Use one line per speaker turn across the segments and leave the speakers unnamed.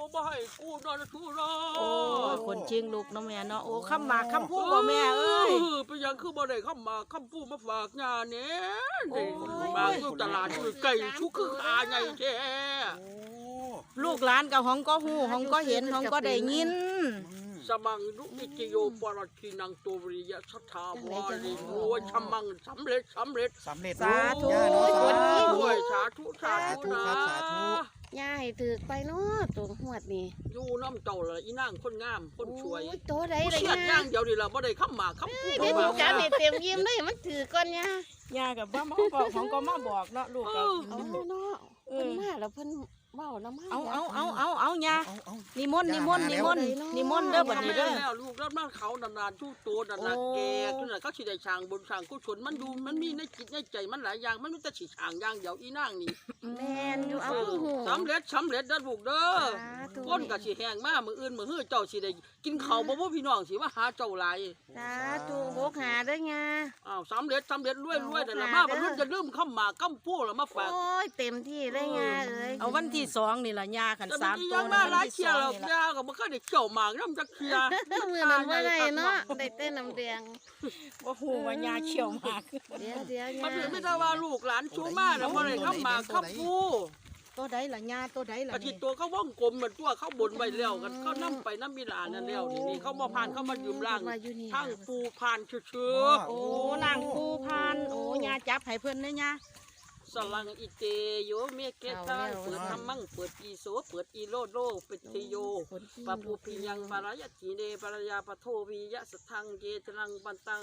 บ่ให้กูนอนทุรอ
โอ้ยคนจริงลูกเนาะแม่เนาะโอ้คำหมากคำพูดบ่แม่เอ้ย
เป็นยังคือบ่ได้คำมาคำพูดมาฝากงานเนี่ยนี่มาอยู่ตลาดอยู่ไก่ชุกคือขาใหญ่แท้
ลูกหลานกับห้องก็หูห้องก็เห็นห้องก็ได้ยิน
สมังลุนิจโยปรคินังตัววิริยะสัทธาวาลีโอ้ยมังสำเร็จ
สาธุ
ด้วยสาธุสาธุนะ
ย่าให้ถือไปเนาะตัวหวดนี่
อยู่น้ำเจ้าเลยอีนางคนงามคนสวย
โตได้เลย
นะย่างเดียวนี่เราบ่ได้คำหมากคำพูด
เดี๋ยวการเตรียมยิ้มเลยมันถือก่อน
ย่ากับบ้ามาบอกของก็มาบอกเนาะลูกกับ
เนาะเพิ่นมาแล้วเพิ่นเว้าแล้วมา
เอาย่านิมนต์เด้อบัดนี้เด้อ
แล้วลูกแล้วมาเขานานๆทุกตัวนั่นน่ะแก่ขึ้นน่ะเขาสิได้ช่างบนช่างกุศลมันอยู่มันมีในจิตในใจมันหลายอย่างมันไม่แต่สิช่างอย่างเดียวอีนางนี่
แม่นอยู่เอา
สำเร็จเด้อลูกเด้อคนก็สิแห้งมามื้ออื่นมื้อฮื้อเจ้าสิได้กินข้าวบ่พี่น้องสิมาหาเจ้าหลาย
สาธุหกหาเด้อย่า
อ้าวสำเร็จรวยนั่นล่ะมาบ่รู้จะลืมคำหมากคำพูดแล้วมาฝาก
โอ้ยเต็มที่เลยย่าเอ้ย
เอาวันที่2นี่ล่ะย่าคัน3ตัว
มาหลายเที่ยแล้วย่าก็บ่เคยได้เจ้าหมากนำจักเที่ย
มื้อนั้นบ่ได้เนาะได้แต่น้ำแดง
บ่ฮู้ว่าย่าเขี่ยวหมาก
เดี๋ยว
มันไม่ได้ว่าลูกหลานชูมาแล้วบ่ได้คำหมากคำพู
ตัวใดล่ะย่าตัวใดล่ะ
อาทิตย์ตัวเขาว่องกลมเหมือนตัวเขาบนไว้แล้วกันเขานำไปน้ำมีหลานนั่นแล้วนี่เขามาผ่านเขามายืมล่างทั้งปูผ่านเชื่อ
โอ้ล่างปูผ่านโอ้ย่าจับให้เพิ่นเด้อย่า
สลังอิเตโยเมเกตาเปิดธรรมังเปิดอีโสเปิดอีโลโลเปิดติโยปะปูพิยังปารายจีเนปารายาปะโทวิยะสทังเกตรังปันตัง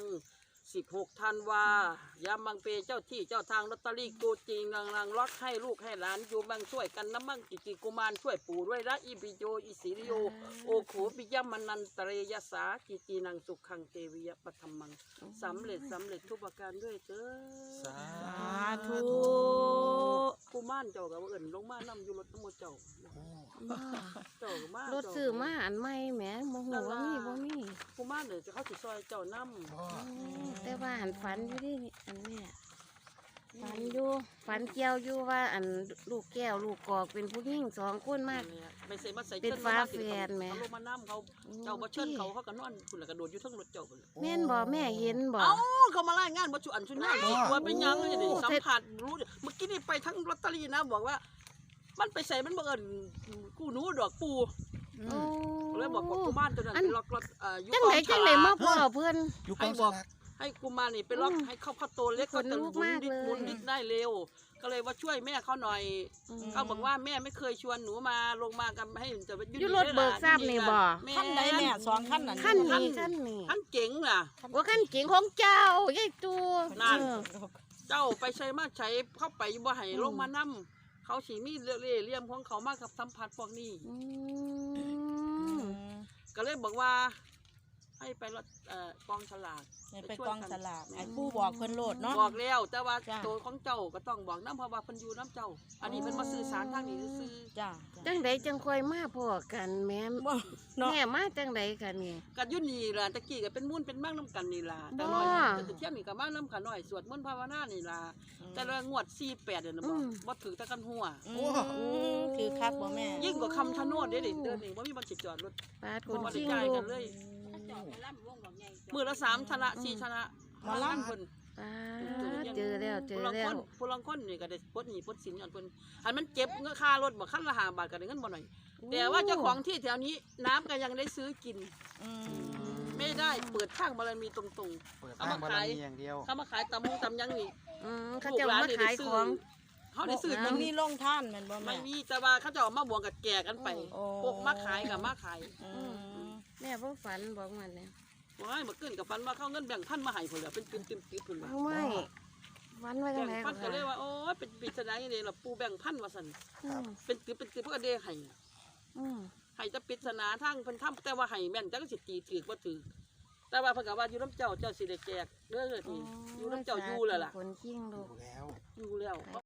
16 ธันวายามบังเปเจ้าที่เจ้าทางลอตเตอรี่กูจริงรังล็อกให้ลูกให้หลานอยู่บังช่วยกันน้ำมั่งจิกุมารช่วยปู่ด้วยละอิปิโยอิสิริโยโอโขปิยมนันตเรยสาจินังสุขังเทวิยปธรรมังสำเร็จทุกประการด้วยเจ้อ
สาธุ
กุมารเจ้ากับเอิญลงมานำอยู่รถทั้งหมดเจ้าเจ้ามาร
ถซื้อมาอันใหม่แหมบ่ฮู้ว่ามี
กุมารเดี๋ยวจะเข้าสิซอยเจ้านำ
แต่ว่าหันฝันอยู่ดิอันนี้ฝันอยู่ฝันเกี่ยวอยู่ว่าอันลูกแก้วลูกกอกเป็นผู้หญิง2 คนมากเป็นฟ้าแฝดแม่
เขาลงมาน้ำเขาเจ้าบ่เชิญเขาก็นอนคุณแล้วก็โดดอยู่ทั้งรถเจ้าคน
แม่นบ่แม่เห็นบ่
เขามาไล่งานบ่ชุอันชุนงานว่าเป็นยังนี่สัมผัสรู้เมื่อกี้นี่ไปทั้งลอตเตอรี่นะบอกว่ามันไปใส่มันบังเอิญกูหนูดอกปูเลยบอกกุมารตัวนั้นเป็นล็อก
จังไหนมาพ่อเพื่อน
ให้บอกให้กุมารนี่เป็นล็อกให้เขาโตเล็กเขาจะหมุนดิดได้เร็วก็เลยว่าช่วยแม่เขาหน่อยเขาบอกว่าแม่ไม่เคยชวนหนูมาลงมากันให้จะ
อยู่รถเบิกทราบนี่บ่
ขั้นไหนแม่2 ขั้นนั่น
ขั้น
เจ๋งน่ะ
ว่าขั้นเจ๋งของเจ้าใหญ่ตัว
นั่นเจ้าไปใช้มาใช้เข้าไปบ่ให้ลงมานั่มเขาสีมีเลี่ยมของเขามากกับสัมผัสพวกนี้ก็เลยบอกว่าให้ไปรถกองฉลาก
ไปกองฉลากไอ้ผู้บอกเพิ่นโลดเนาะ
บอกแล้วแต่ว่าตัวของเจ้าก็ต้องบอกน้ำเพราะว่าเพิ่นอยู่น้ำเจ้าอันนี้เพิ่นมาสื่อสารทางนี้ซื่อ
จ้า
จังใดจังค่อยมาพอกันแม่มาจังใดกันนี่
กันยุ่นนี่ล่ะตะกี้ก็เป็นมุ่นเป็นมั่งน้ำกันนี่ล่ะแต่น้อยแต่เที่ยงนี่ก็มั่งน้ำกันน้อยสวดมนต์ภาวนานี่ล่ะแต่ละงวด48เดือนบ่ถือตะกันหัว
คือคักบ่แม่
ยิ่งกว่าคำชะโนดเด้เดินนี่บ่มีบ่สิจอดรถ
ปาดคนชิง
กันเลยมือละ3ชนะ4ชนะ
มาล่ำเพิ่น
เจอแล้ว
ผู้ลังคนนี่ก็ได้ปลดหนี้ปลดสินย้อนเพิ่นอันมันเจ็บเงินค่ารถบ่คันละ5 บาทก็ได้เงินบ่หน่อยแต่ว่าเจ้าของที่แถวนี้น้ำก็ยังได้ซื้อกินไม่ได้เปิดทางบารมีตรงๆเอามาขาย
อย่างเดียว
เขามาขายตำยังนี่
เขาจะมาขายของ
เขาได้ซื้อ
มันมีโรงท่านแม่นบ่แม่
ไม่มีแต่ว่าเขาจะเอามาบวงกับแก่กันไปพวกมาขายกับมาขาย
แม่บ่ฝันบอกมันเนี่ย
ว่าเมื่อคืนกับฟันว่าเขาเงินแบ่งพันมาให้เพิ่นแล้วเป็นติมเพิ่นว่า
ไม่ฝันว่าจังได๋
ฟันก็เลยว่าโอ้ยเป็นปริศนาอย่างนี้ล่ะปูแบ่งพันว่าซั่นเป็นติเพิ่นก็ได้ให้ให้จะปริศนาทางเพิ่นทำแต่ว่าให้แม่นจังสิตีถือบ่ถือแต่ว่าเพิ่นก็ว่าอยู่น้ำเจ้าสิได้แจกเด้อนี่อยู่น้ำเจ้าอยู่แล้วล่ะ
คนจริงลูก
อยู่แล้ว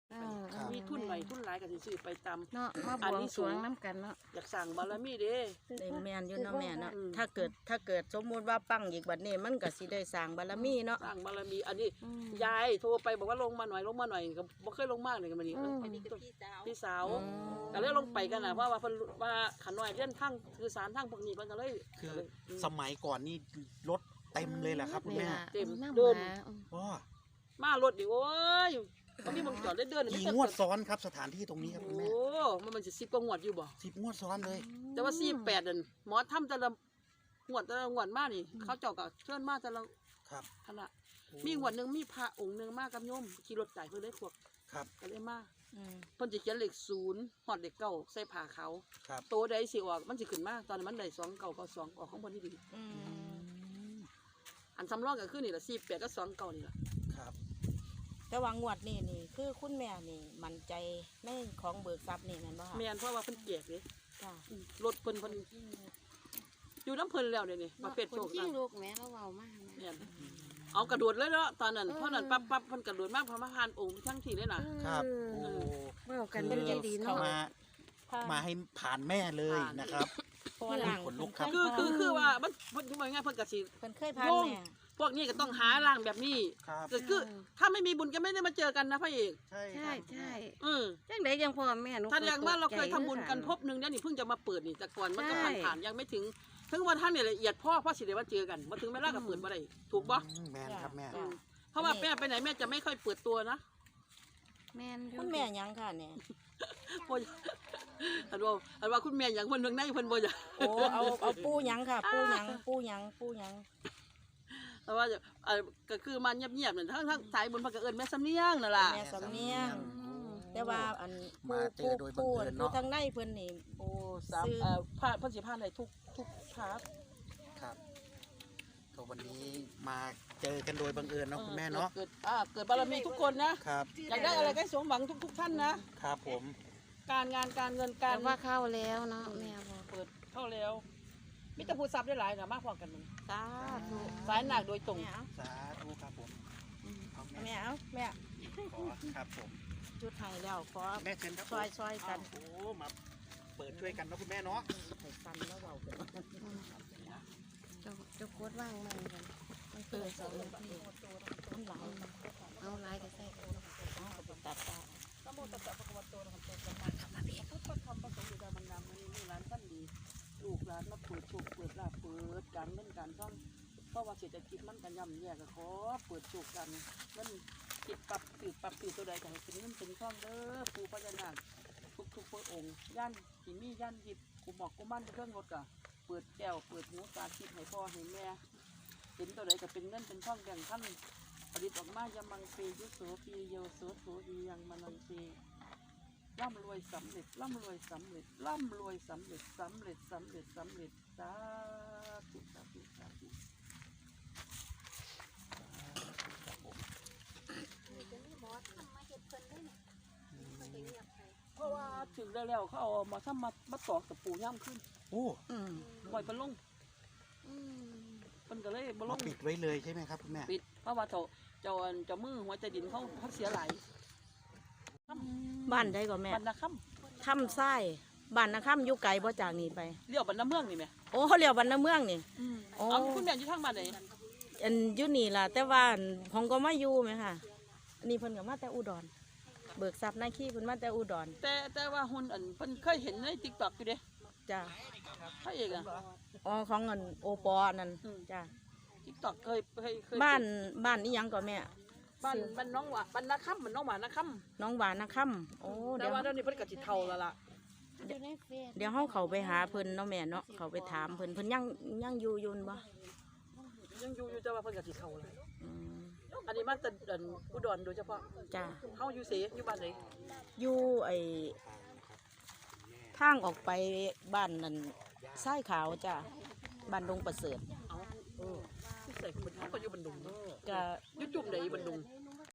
ครับ
มีทุนหน่อยทุนหลายก็สิซื้อไปตาม
เนาะมาบ
อัน
วง
นี้
ส
สู
รว
ง
งน้ำกันเนาะ
อยากสั่งบารมีเด้
ได้แม่นอยู่เนาะแม่เนาะ
อืม
ถ้าเกิดสมมุติว่าปังอีกบัดนี้มันก็สิได้สร้างบารมีเนาะ
สั่งบารมีอันนี้
อืม
ยายโทรไปบอกว่าลงมาหน่อยก็บ่เคยลงมาเลยกันมานี่
อืม
พี่สาว
อืม
ก็เลยลงไปกันนะเพราะว่าเพิ่นว่าขันน้อยเล่นทั้งคือสารทั้งพวกนี้เพิ่นก็เลย
คือสมัยก่อนนี่รถเต็มเลยแหละครับคุณแม่
เต็ม
น้ำ
เดิน
หาอืม
ว้าม
ารถดิโอ้ยมันมีบางจอดได้เดิน
กี่งวดซ้อนครับสถานที่ตรงนี้ครับคุณ
โอ้
แม่
มันสิ10กว่างวดอยู่บ่
10 งวดซ้อนเลย
แต่ว่า48นั่นหมอทำแต่ละงวดมานี่ เขาเจ้าก็เชิญมาแต่ละ
ครับ
คณะมีงวดหนึงมีพระองค์หนึงมากับโยมขี่รถไก่เพิ่นเลยพวก
ครับ
ก็เลยมา
อืม
เพิ่นสิเขียนเลข0ฮอดเลข9ใส่ผ้าขาว
ครับ
โตใดสิออกมันสิขึ้นมาตอนนั้นมันได้2 9 2ออกของเพิ่นที่ดี
อืม
อันสำรองก็คือนี่ล่ะ48กับ2 9นี่ล่ะ
ครับ
แต่ว่างวดนี้นี่คือคุณแม่นี่มั่นใจในของเบิกทรัพย์นี่แม่นบ่คะ
แม่นเพราะว่าเพิ่นแจกเด้
จ้ะ
รถเพิ่นอยู่น้ำเพิ่นแล้วเนี่ยนี่ประเภทโชค
คนที่
นะ
ลูกแม่เราเว้ามาก
เนี่ยเอากระโดดเลยเนาะตอนนั้นเพราะนั้นปั๊บเพิ่นกระโดดมากพระมหานองค์ทั้งที่เลยนะครับ
โอ้
เว้ากันเป็นใจดีเนาะ
มาให้ผ่านแม่เลยนะครับ
เพราะว่าหลัง
ขนลุกครับ
คือว่ามันเพิ่นว่าง่ายเพิ่นก็สิ
เพิ่นเคยพานแม่
พวกนี้ก็ต้องหาร่างแบบนี้
ครับ
ก็คือถ้าไม่มีบุญก็ไม่ได้มาเจอกันนะพระเอก
ใช่ค
ใช่
รับ
ใช่
อ
จังไดยังพ่อแม่หนู
ถ้าอย่างว่าเราเคยทำบุญกันพบหนึงเนี่ยนี่เพิ่งจะมาเปิดนี่แต่ก่อนมันก็ผ่านยังไม่ถึงวันท่านเนี่ยละเอียดพ่อสิได้มาเจอกันมาถึงเวลาก็เปิดบ่ได้ถูกบ่
แม่นครับแม่
จ้ะ
เพราะว่าแม่ไปไหนแม่จะไม่ค่อยเปิดตัวนะ
แม่นอยู่
คุณแม่หยังค่ะเนี่ย
บ่อันว่าคุณแม่อย่างเพิ่นเมืองในเพิ่นบ่จ้ะ
โอ้เอาปูหยังค่ะ ปูหยัง
แต่ว่าก็คือมันเงียบๆนั่นทั้งสายบุญพระก็เอิ้นแม่สำเนียงนั่นล่ะ
แม่สำเนียง แต่ว่าอัน
มาเจอโดยบังเอิญเนาะ
ทางในเพิ่นนี่
โอ้สาม
ซื้อ
ผ่านเพิ่นสิผ่านได้ทุกพาร์ท
ครับก็วันนี้มาเจอกันโดยบังเอิญเนาะคุณแม่เนาะ
เกิดบารมีทุกคนนะครับ อยากได้อะไรก็ให้สมหวังทุกท่านนะครับ
ผม
การงานการเงิน
กา
การ
รว่าเข้าแล้วเนาะแม่บอก
เปิดเข้าแล้วมิตรภูทรัพย์ได้หลายนะมากพอกันมัน
สาธุ
สายหนักโดยตรง
แม่เอา
สาธุครับผมเอาแม่
แม่เอาแม่
ขอครับผม
จุดไห้แล้วขอ
แม่เชิญครับ
ซอยกัน
โอ้มาเปิดช่วยกันเนาะคุณแม่เนาะ
ให้ฟันแล้วเบากัน
เจ้าโคตรว่างมันกันมันเปิดสองนาที
มันหลาย
เอาลายก็ใส่
เอาไปตัดตา
สมุทรสัพพะวัตโตนะครัพุทธธรรมประสงค์อยู่ในบรรดามันนี่ร้านท่านดีลูกร้านมาเปิดโชคเปิดลาภเปิดการเงินการท่องเพราะว่าเศรษฐกิจมันกันย่ำแย่ก็ขอเปิดโชคกันมันติดปรับตื่นตัวใดก็ให้เป็นเงินเป็นท่องเด้อปู่พญานาคทุกพระองค์ย่านหิมีย่านหยิบกูหมอกกูมั่นเครื่องรถก็เปิดแก้วเปิดหูตาคิดให้พ่อให้แม่เห็นตัวใดก็เป็นเงินเป็นท่องแบ่งท่านผลิตออกมายามังเปยุโสปีโยโสโถดียังมนังเปร่ำรวยสำเร็จร่ำรวยสำเร็จร่ำรวยสำเร็จสำเร็จสำเร็จสำเร็จสาธุสาธุสาธุเพราะว่าถึงได้แล้วเขาเอามาทำมาตอกตะปูย่ำขึ้น
โอ้
อืม
ปล่อยเป็นลง
อืม
มันก็เลยบ่ล
มาง ปิดไว้เลยใช่ไหมครับคุณแม่
ปิดเพราะว่าเจ้ามือหัวใจดินเขาเสียหลาย
บ้านได้ก็แม่
บรรณาค่
ถ้ำไส้บ้านนะค่ำอยู่ไกลบ่จากนี้ไป
ำเลี้ยวบรรณาเมืองนี่ไหม
โอ้เขาเรียกบ้านนาเมืองนี่ โอ้
เอาคุณแม่อยู่ทางบ้านไหน
อันอยู่นี่ล่ะ แต่ว่าอันของก็มาอยู่ไหมค่ะอันนี้เพิ่นก็มาแต่อุดร เบิกทรัพย์นาคีเพิ่นมาแต่อุดร
แต่ว่าหุ่นอันเพิ่นเคยเห็นในติ๊กต็อกอยู่เด้
จ้ะ
พระเอกอะ
อ๋อของเงินโอปอนั่น
อืม
จ้ะ
ติ๊กต็อกเคย
บ้านนี่ยังก็แม่
บ้านน้องหวานบรรณาค่ำมันน้องหวานนะค่
น้องหวานนะค่ำโอ้
ำแต่
เดี๋ยว
ว่าเดี๋ยวนี้เพิ่นก็สิเฒ่าแล้วล่ะ
อยู่ในเฟซ
เดี๋ยวเฮาเข้าไปหาเพิ่นเนาะแม่เนาะเข้าไปถามเพิ่นยังอยู่อยุ่นบ่
ยังอยู่แต่ว่าเพิ่นก็สิเฒ่าแล้ว
อืม
อันนี้มาแต่อุดรโดยเฉพาะ
จ้ะ
เฮาอยู่เสอยู่บ้านไหน
อยู่ไอ้ทางออกไปบ้านนั่นทรายขาวจ้ะบ้านดงประเสริฐ
เอ้าที่ใส่คนเฮาก็อยู่บันดุง
ก็
อยู่จุ่มไหนบันดุง